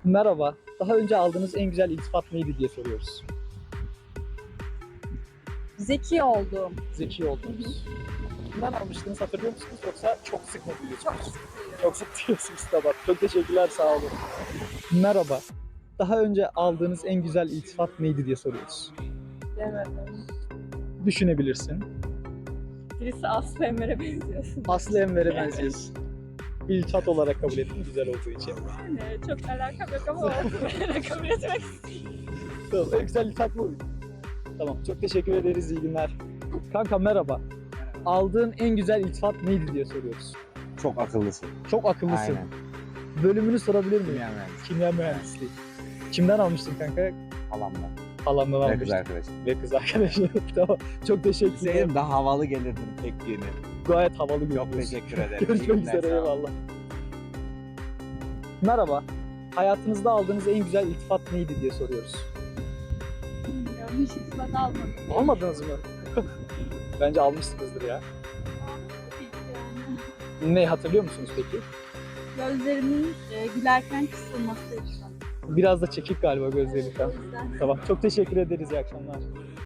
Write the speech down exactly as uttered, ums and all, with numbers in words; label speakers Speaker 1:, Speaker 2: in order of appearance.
Speaker 1: Merhaba, daha önce aldığınız en güzel iltifat neydi diye soruyoruz.
Speaker 2: Zeki oldum.
Speaker 1: Zeki oldunuz. Kimden almıştınız hatırlıyor musunuz yoksa çok sık mı duyuyorsunuz?
Speaker 2: Çok sıkıyorum.
Speaker 1: Çok sık diyorsunuz, tamam. Çok teşekkürler, sağ olun. Merhaba, daha önce aldığınız en güzel iltifat neydi diye soruyoruz.
Speaker 2: Demedim.
Speaker 1: Düşünebilirsin.
Speaker 2: Birisi Aslı Emre'ye benziyorsun.
Speaker 1: Aslı Enver'e benziyorsun. İltifat olarak kabul ettim güzel olduğu için.
Speaker 2: Yani çok alakam yok ama olsun. Kabul etmek istiyorum.
Speaker 1: Tamam, en güzel iltifat bu. Tamam, çok teşekkür ederiz, iyi günler. Kanka merhaba. Aldığın en güzel iltifat neydi diye soruyoruz.
Speaker 3: Çok akıllısın.
Speaker 1: Çok akıllısın.
Speaker 3: Aynen.
Speaker 1: Bölümünü sorabilir miyim?
Speaker 3: Kimya mühendisi.
Speaker 1: Kimya mühendisliği. Kimden almıştın kanka?
Speaker 3: Halamla.
Speaker 1: Halamdan
Speaker 3: Ve kız
Speaker 1: almıştın.
Speaker 3: arkadaşım.
Speaker 1: Ve kız arkadaşım. Tamam. Çok teşekkür ederim.
Speaker 3: Bilseydim daha havalı gelirdim tek yeni.
Speaker 1: Gayet havalı
Speaker 3: Çok
Speaker 1: görünüyorsun.
Speaker 3: teşekkür ederim. İyi
Speaker 1: Görüşmek
Speaker 3: günler,
Speaker 1: üzere,
Speaker 3: sağ olun.
Speaker 1: eyvallah. Merhaba. Hayatınızda aldığınız en güzel iltifat neydi diye soruyoruz.
Speaker 2: Bilmiyorum. Hiç ispat almadım.
Speaker 1: Almadınız mı? Bence almışsınızdır ya.
Speaker 2: Yani.
Speaker 1: Ne hatırlıyor musunuz peki?
Speaker 2: Gözlerimin e, gülerken kısılması için.
Speaker 1: Biraz da çekik galiba gözlerinizden.
Speaker 2: O yüzden.
Speaker 1: Tamam. Çok teşekkür ederiz. İyi akşamlar.